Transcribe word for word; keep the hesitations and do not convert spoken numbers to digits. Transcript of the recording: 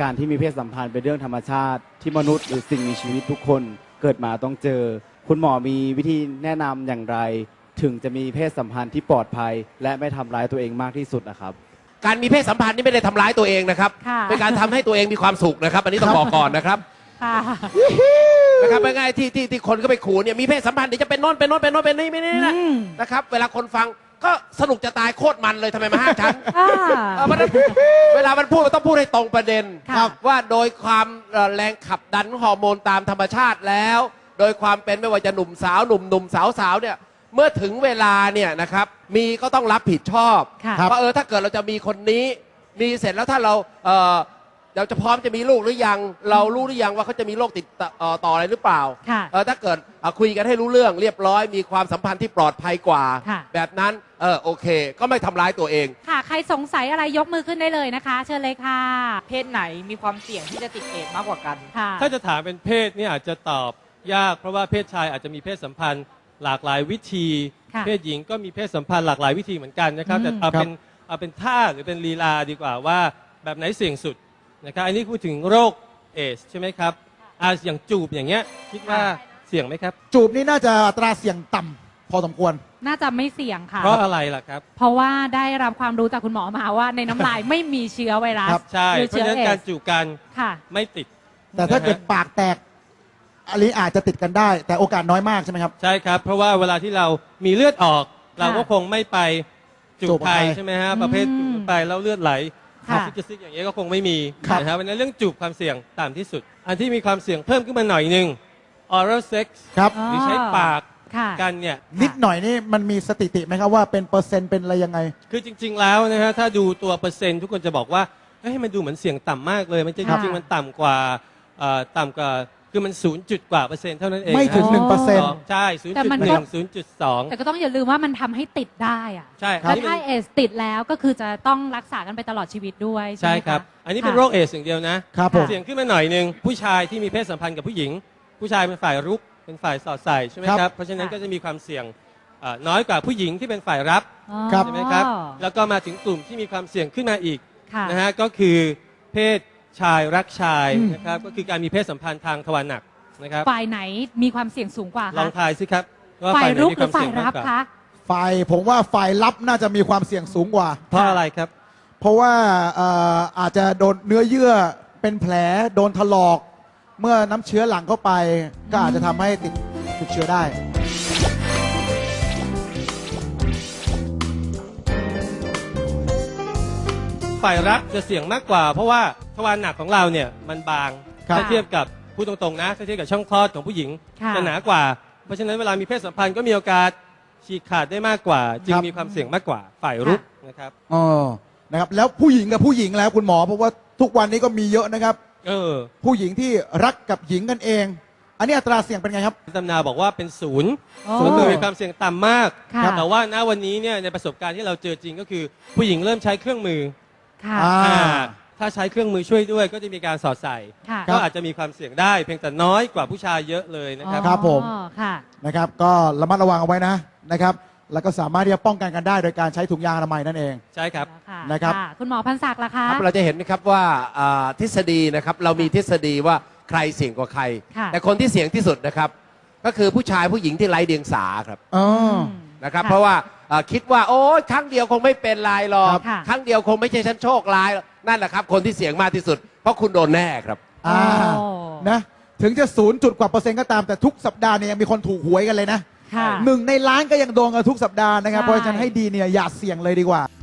การที่มีเพศสัมพันธ์เป็นเรื่องธรรมชาติที่มนุษย์หรือสิ่งมีชีวิตทุกคนเกิดมาต้องเจอคุณหมอมีวิธีแนะนำอย่างไรถึงจะมีเพศสัมพันธ์ที่ปลอดภัยและไม่ทำร้ายตัวเองมากที่สุดนะครับการมีเพศสัมพันธ์นี่ไม่ได้ทำร้ายตัวเองนะครับเป็นการทำให้ตัวเองมีความสุขนะครับอันนี้ต้องบอกก่อนนะครับนะครับง่ายๆที่ที่ที่คนก็ไปขู่เนี่ยมีเพศสัมพันธ์เดี๋ยวจะเป็นโน่นเป็นโน่นเป็นโน่นเป็นนี่ไม่นี่นะนะครับเวลาคนฟังก็สนุกจะตายโคตรมันเลยทำไมมาห้ามฉันเวลามันพูดมันต้องพูดให้ตรงประเด็นว่าโดยความแรงขับดันฮอร์โมนตามธรรมชาติแล้วโดยความเป็นไม่ว่าจะหนุ่มสาวหนุ่มหนุ่มสาวสาวเนี่ยเมื่อถึงเวลาเนี่ยนะครับมีก็ต้องรับผิดชอบเพราะเออถ้าเกิดเราจะมีคนนี้มีเสร็จแล้วถ้าเราเออเราจะพร้อมจะมีลูกหรือยังเรารู้หรือยังว่าเขาจะมีโรคติดต่ออะไรหรือเปล่าเออถ้าเกิดคุยกันให้รู้เรื่องเรียบร้อยมีความสัมพันธ์ที่ปลอดภัยกว่าแบบนั้นเออโอเคก็ไม่ทำร้ายตัวเองค่ะใครสงสัยอะไรยกมือขึ้นได้เลยนะคะเชิญเลยค่ะเพศไหนมีความเสี่ยงที่จะติดเอดส์มากกว่ากันถ้าจะถามเป็นเพศนี่อาจจะตอบยากเพราะว่าเพศชายอาจจะมีเพศสัมพันธ์หลากหลายวิธีเพศหญิงก็มีเพศสัมพันธ์หลากหลายวิธีเหมือนกันนะครับแต่เอาเป็นเอาเป็นท่าหรือเป็นลีลาดีกว่าว่าแบบไหนเสี่ยงสุดนะครับอันนี้พูดถึงโรคเอดส์ใช่ไหมครับอ่าอย่างจูบอย่างเงี้ยคิดว่าเสี่ยงไหมครับจูบนี่น่าจะอัตราเสี่ยงต่ำพอสมควรน่าจะไม่เสี่ยงค่ะเพราะอะไรล่ะครับเพราะว่าได้รับความรู้จากคุณหมอมาว่าในน้ำลายไม่มีเชื้อไวรัสใช่เพราะฉะนั้นการจูบกันไม่ติดแต่ถ้าเกิดปากแตกอันนี้อาจจะติดกันได้แต่โอกาสน้อยมากใช่ไหมครับใช่ครับเพราะว่าเวลาที่เรามีเลือดออกเราก็คงไม่ไปจูบใครใช่ไหมฮะประเภทจูบไปแล้วเลือดไหลซิกซิกอย่างเงี้ยก็คงไม่มีนะครับเพราะฉะนั้นเรื่องจูบความเสี่ยงต่ำที่สุดอันที่มีความเสี่ยงเพิ่มขึ้นมาหน่อยนึง oral sex หรือใช้ปากกันเนี่ยนิดหน่อยนี่มันมีสถิติไหมครับว่าเป็นเปอร์เซ็นต์เป็นอะไรยังไงคือจริงๆแล้วนะฮะถ้าดูตัวเปอร์เซ็นต์ทุกคนจะบอกว่าเฮ้ยมันดูเหมือนเสี่ยงต่ำมากเลยมันจริงๆมันต่ำกว่าต่ำกว่าคือมันศูนย์จุดกว่าเปอร์เซ็นต์เท่านั้นเองไม่ถึงหนึ่งเปอร์เซ็นต์ใช่ศูนย์จุดหนึ่งศูนย์จุดสองแต่ก็ต้องอย่าลืมว่ามันทำให้ติดได้อะใช่แล้วถ้าเอสติดแล้วก็คือจะต้องรักษากันไปตลอดชีวิตด้วยใช่ครับอันนี้เป็นโรคเอสอย่างเดียวนะครับเสี่ยงขึ้นมาหน่อยนึงผู้ชายที่มีเพศสัมพันธ์กับผู้หญิงผู้ชายเป็นฝ่ายรุกเป็นฝ่ายสอดใส่ใช่ไหมครับเพราะฉะนั้นก็จะมีความเสี่ยงน้อยกว่าผู้หญิงที่เป็นฝ่ายรับใช่ไหมครับแล้วก็มาถึงกลุ่มที่มีความเสี่ยงขึ้นมาอีกนะฮะก็คือเพศชายรักชายนะครับก็คือการมีเพศสัมพันธ์ทางทวารหนักนะครับฝ่ายไหนมีความเสี่ยงสูงกว่าคะลองทายสิครับว่าฝ่ายรุกหรือฝ่ายรับคะฝ่ายผมว่าฝ่ายรับน่าจะมีความเสี่ยงสูงกว่าเพราะอะไรครับเพราะว่าอาจจะโดนเนื้อเยื่อเป็นแผลโดนถลอกเมื่อน้ำเชื้อหลั่งเข้าไปก็อาจจะทำให้ติดติดเชื้อได้ฝ่ายรับจะเสี่ยงมากกว่าเพราะว่าทวารหนักของเราเนี่ยมันบางถ้าเทียบกับพูดตรงๆนะถ้าเทียบกับช่องคลอดของผู้หญิงจะหนากว่าเพราะฉะนั้นเวลามีเพศสัมพันธ์ก็มีโอกาสฉีกขาดได้มากกว่าจึงมีความเสี่ยงมากกว่าฝ่ายรุกนะครับอ๋อนะครับแล้วผู้หญิงกับผู้หญิงแล้วคุณหมอเพราะว่าทุกวันนี้ก็มีเยอะนะครับเออผู้หญิงที่รักกับหญิงกันเองอันนี้อัตราเสี่ยงเป็นไงครับตำนาบอกว่าเป็นศูนย์ศูนย์มีความเสี่ยงต่ำมากแต่ว่าณวันนี้เนี่ยในประสบการณ์ที่เราเจอจริงก็คือผู้หญิงเริ่มใช้เครื่องมือถ้าใช้เครื่องมือช่วยด้วยก็จะมีการสอดใส่ก็อาจจะมีความเสี่ยงได้เพียงแต่น้อยกว่าผู้ชายเยอะเลยนะครับครับผมนะครับก็ระมัดระวังเอาไว้นะนะครับแล้วก็สามารถที่จะป้องกันกันได้โดยการใช้ถุงยางอนามัยนั่นเองใช่ครับนะครับคุณหมอพันศักดิ์ล่ะคะเราจะเห็นไหมครับว่าทฤษฎีนะครับเรามีทฤษฎีว่าใครเสี่ยงกว่าใครแต่คนที่เสี่ยงที่สุดนะครับก็คือผู้ชายผู้หญิงที่ไร้เดียงสาครับนะครับเพราะว่าคิดว่าโอ้ครั้งเดียวคงไม่เป็นไรหรอกครั้งเดียวคงไม่ใช่ฉันโชคร้ายนั่นแหละครับคนที่เสี่ยงมากที่สุดเพราะคุณโดนแน่ครับอ่านะถึงจะศูนย์จุดกว่าเปอร์เซ็นต์ก็ตามแต่ทุกสัปดาห์เนี่ยยังมีคนถูกหวยกันเลยนะหนึ่งในล้านก็ยังโดนกันทุกสัปดาห์นะครับเพราะฉะนั้นให้ดีเนี่ยอย่าเสี่ยงเลยดีกว่า